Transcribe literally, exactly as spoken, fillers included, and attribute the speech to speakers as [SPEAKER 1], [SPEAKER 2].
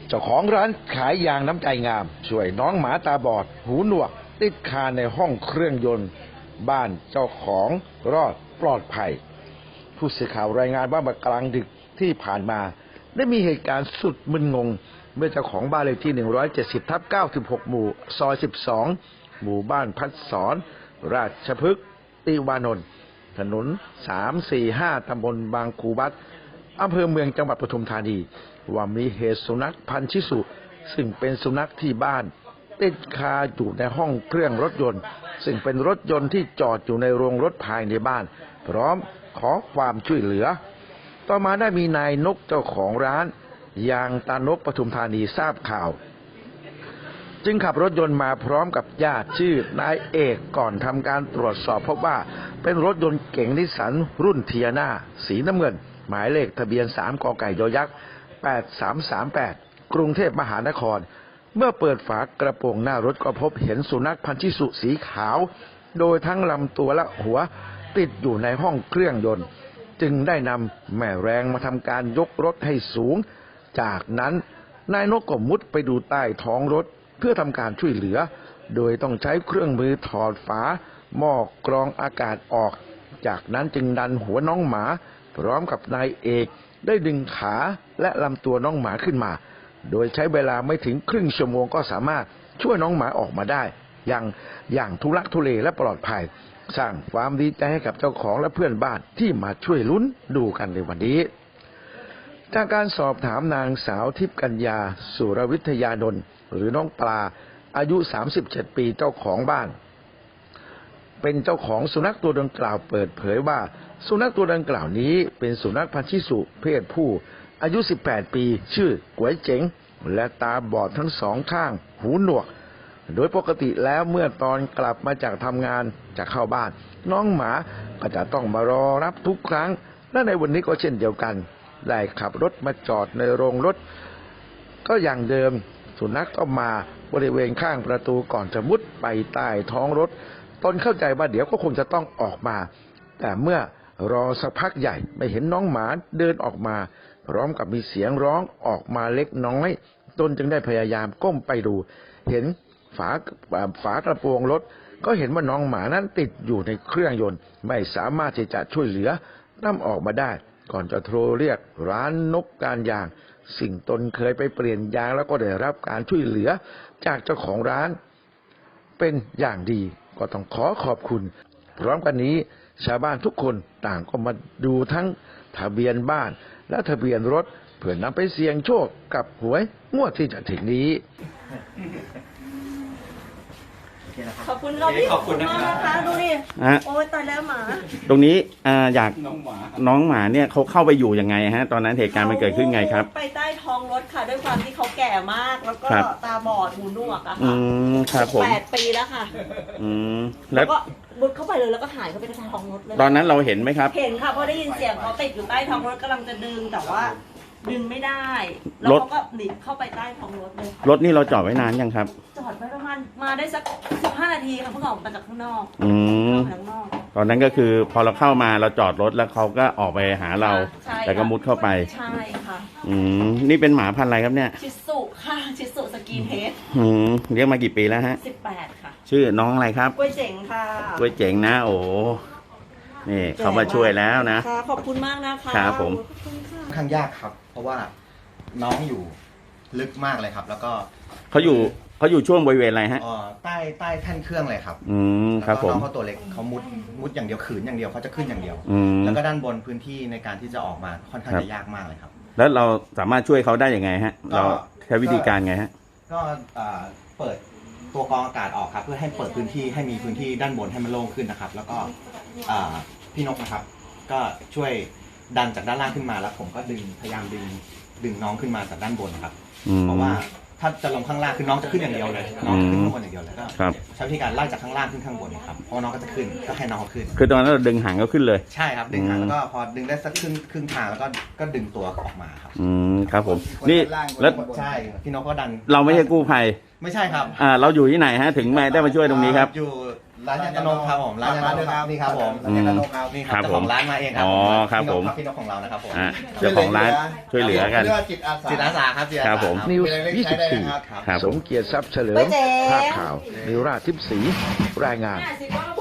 [SPEAKER 1] เจ้าของร้านขายยางน้ำใจงามช่วยน้องหมาตาบอดหูหนวกติดคาในห้องเครื่องยนต์บ้านเจ้าของรอดปลอดภัยผู้สื่อข่าวรายงานว่าเมื่อกลางดึกที่ผ่านมาได้มีเหตุการณ์สุดมึนงงเมื่อเจ้าของบ้านเลขที่หนึ่งร้อยเจ็ดสิบทับเก้าสิบหกหมู่ซอยสิบสองหมู่บ้านพัดสอนราชพฤกษ์ติวานนท์ถนนสาม สี่ ห้าตำบลบางคูบัดอำเภอเมืองจังหวัดปทุมธานีว่ามีเหตุสุนัขพันธุ์ชิสุซึ่งเป็นสุนัขที่บ้านติดคาอยู่ในห้องเครื่องรถยนต์ซึ่งเป็นรถยนต์ที่จอดอยู่ในโรงรถภายในบ้านพร้อมขอความช่วยเหลือต่อมาได้มีนายนกเจ้าของร้านยางตานกปทุมธานีทราบข่าวจึงขับรถยนต์มาพร้อมกับญาติชื่อนายเอกก่อนทำการตรวจสอบพบว่าเป็นรถยนต์เก๋งนิสสันรุ่นเทียนาสีน้ำเงินหมายเลขทะเบียนสามกไก่ยอยักษ์แปดสามสามแปดกรุงเทพมหานครเมื่อเปิดฝากระโปรงหน้ารถก็พบเห็นสุนัขพันธุ์ชิสุสีขาวโดยทั้งลำตัวและหัวติดอยู่ในห้องเครื่องยนต์จึงได้นำแม่แรงมาทำการยกรถให้สูงจากนั้นนายนกก็มุดไปดูใต้ท้องรถเพื่อทำการช่วยเหลือโดยต้องใช้เครื่องมือถอดฝาหม้อกรองอากาศออกจากนั้นจึงดันหัวน้องหมาพร้อมกับนายเอกได้ดึงขาและลำตัวน้องหมาขึ้นมาโดยใช้เวลาไม่ถึงครึ่งชั่วโมงก็สามารถช่วยน้องหมาออกมาได้อย่างอย่างทุลักทุเลและปลอดภัยสร้างความดีใจให้กับเจ้าของและเพื่อนบ้านที่มาช่วยลุ้นดูกันในวันนี้จากการสอบถามนางสาวทิพย์กัญญาสุรวิทยานนท์หรือน้องปลาอายุสามสิบเจ็ดปีเจ้าของบ้านเป็นเจ้าของสุนัขตัวดังกล่าวเปิดเผยว่าสุนัขตัวดังกล่าวนี้เป็นสุนัขพันธุ์ชิสุเพศผู้อายุสิบแปดปีชื่อก๋วยเจ๋งและตาบอดทั้งสองข้างหูหนวกโดยปกติแล้วเมื่อตอนกลับมาจากทำงานจะเข้าบ้านน้องหมาก็จะต้องมารอรับทุกครั้งและในวันนี้ก็เช่นเดียวกันได้ขับรถมาจอดในโรงรถก็อย่างเดิมสุนัขก็มาบริเวณข้างประตูก่อนจะมุดไปใต้ท้องรถตนเข้าใจว่าเดี๋ยวก็คงจะต้องออกมาแต่เมื่อรอสักพักใหญ่ไม่เห็นน้องหมาเดินออกมาพร้อมกับมีเสียงร้องออกมาเล็กน้อยตนจึงได้พยายามก้มไปดูเห็นฝาฝากระโปรงรถก็เห็นว่าน้องหมานั้นติดอยู่ในเครื่องยนต์ไม่สามารถที่จะช่วยเหลือนำออกมาได้ก่อนจะโทรเรียกร้านนกการยางสิ่งตนเคยไปเปลี่ยนยางแล้วก็ได้รับการช่วยเหลือจากเจ้าของร้านเป็นอย่างดีก็ต้องขอขอบคุณพร้อมกันนี้ชาวบ้านทุกคนต่างก็มาดูทั้งทะเบียนบ้านและทะเบียนรถเพื่อนำไปเสี่ยงโชคกับหวยงวดที่จะถึงนี้
[SPEAKER 2] ขอบคุณเราพี่ขอบคุณมากนะคะดูดิโอ้ยตายแล้วหมา
[SPEAKER 3] ตรงนี้อ่าอยากน้องหมาน้องหมาเนี่ยเขาเข้าไปอยู่ยังไงฮะตอนนั้นเหตุการณ์มันเกิดขึ้นไงครับ
[SPEAKER 2] ไปใต้ท้องรถค่ะด้วยความที่เขาแก่มากแล้วก็ตาบอดหูหนวกอะค่ะ
[SPEAKER 3] อืมครับผม
[SPEAKER 2] แปดปีแล้วค่ะ
[SPEAKER 3] อืม
[SPEAKER 2] แล้วก็มุดเข้าไปเลยแล้วก็หายเข้าไปในท้องรถเลย
[SPEAKER 3] ตอนนั้นเราเห็นไหมครับ
[SPEAKER 2] เห็นค่ะเพราะได้ยินเสียงเขาติดอยู่ใต้ท้องรถกำลังจะดึงแต่ว่าดึงไม่ได้แล้วเขาก็หนีเข้าไปใต้ท้องรถเลย
[SPEAKER 3] รถนี่เราจอดไว้นานยังครับ
[SPEAKER 2] จอดไว้ประมาณมาได้สักสิบห้านาทีค่ะเพิ่งออกมาจากข้างนอก
[SPEAKER 3] อืมตอนนั้นก็คือพอเราเข้ามาเราจอดรถแล้วเขาก็ออกไปหาเราแต่ก็มุดเข้าไป
[SPEAKER 2] ใช่ค่ะ
[SPEAKER 3] อืมนี่เป็นหมาพันธุ์อะไรครับเนี่ย
[SPEAKER 2] ชิสุค่ะชิสุสกีเฮด
[SPEAKER 3] อืมเลี้ยงมากี่ปีแล้วฮะ
[SPEAKER 2] สิบแปดค่ะ
[SPEAKER 3] ชื่อน้องอะไรครับ
[SPEAKER 2] กล้วยเจ๋งค่ะ
[SPEAKER 3] กล้วยเจ๋งนะโอ้นี่เขามาช่วยแล้วนะ
[SPEAKER 2] ขอบคุณมากนะคะ
[SPEAKER 3] ครับผม
[SPEAKER 4] ค่อนข้างยากครับเพราะว่าน้องอยู่ลึกมากเลยครับแล้วก็
[SPEAKER 3] เขาอยู่เขาอยู่ช่วงบริเวณอะไรฮะ
[SPEAKER 4] อ๋อใต้ใต้แท่นเครื่องเลยครับ
[SPEAKER 3] อืมครับผม
[SPEAKER 4] น้องเขาตัวเล็กเขามุดมุดอย่างเดียวขืนอย่างเดียวเขาจะขึ้นอย่างเดียวแล้วก็ด้านบนพื้นที่ในการที่จะออกมาค่อนข้างจะยากมากเลยครับ
[SPEAKER 3] แล้วเราสามารถช่วยเขาได้ยังไงฮะเราใช้วิธีการไงฮะ
[SPEAKER 4] ก็เปิดตัวกรองอากาศออกครับเพื่อให้เปิดพื้นที่ให้มีพื้นที่ด้านบนให้มันโล่งขึ้นนะครับแล้วก็พี่นกนะครับก็ช่วยดันจากด้านล่างขึ้นมาแล้วผมก็ดึงพยายามดึงดึงน้องขึ้นมาจากด้านบนครับเพราะว่าถ้าจะลงข้างล่างคือน้องจะขึ้นอย่างเดียวเลยน้องจะขึ้นข้างบนอย่างเดียวเลยก็ใช้วิธีการไล่จากข้างล่างขึ้นข้างบนครับเพราะน้องก็จะขึ้นก็ให้น้องเขาขึ้น
[SPEAKER 3] คือตอนนั้นเราดึงหางเขาขึ้นเลย
[SPEAKER 4] ใช่ครับดึงหางแล้วก็พอดึงได้สักครึ่งครึ่งทางแล้วก็ก็ดึงตัวออกมาครับ
[SPEAKER 3] อืมครับผมนี่
[SPEAKER 4] แล้วใช่พี่นกก็ดัน
[SPEAKER 3] เราไม่ใช่กู้ภัย
[SPEAKER 4] ไม่ใช่ครับ
[SPEAKER 3] อ่าเราอยู่ที่ไหนฮะถึงแม่ได้มาช่วยตรงนี้ครับ
[SPEAKER 4] อยู่ร้านยากระนกครับผมร้านยากระนกครับนี่ครับผม
[SPEAKER 3] อืม
[SPEAKER 4] นี่ค
[SPEAKER 3] ครั
[SPEAKER 4] รับบ เจ้า
[SPEAKER 3] ผ
[SPEAKER 4] ข
[SPEAKER 3] ม
[SPEAKER 4] องร้านมาเองครั
[SPEAKER 3] อ๋อ
[SPEAKER 4] ผม
[SPEAKER 3] ครับผม
[SPEAKER 4] พี่นกของเรานะครับผม
[SPEAKER 3] อ่ะเจ้าของร้านช่วยเหลือกัน
[SPEAKER 5] เรียกว่าจิตอาสา
[SPEAKER 4] จิตอาสาครับจิตอา
[SPEAKER 3] ครั
[SPEAKER 4] สา
[SPEAKER 3] บผม
[SPEAKER 1] นิวส์
[SPEAKER 5] มีอะไรเล็ก
[SPEAKER 1] ยี่
[SPEAKER 5] ใช้
[SPEAKER 1] สิบ
[SPEAKER 5] ได้
[SPEAKER 1] สี่
[SPEAKER 5] นะครับ
[SPEAKER 3] ครับ
[SPEAKER 1] ส
[SPEAKER 3] ผม
[SPEAKER 1] มเกียรติทรัพย์เฉลิม
[SPEAKER 2] ไม่เจ๊
[SPEAKER 1] ภาพข่าวนิวราชทิพย์ศรีรายงาน
[SPEAKER 2] เนี่ยสิว่า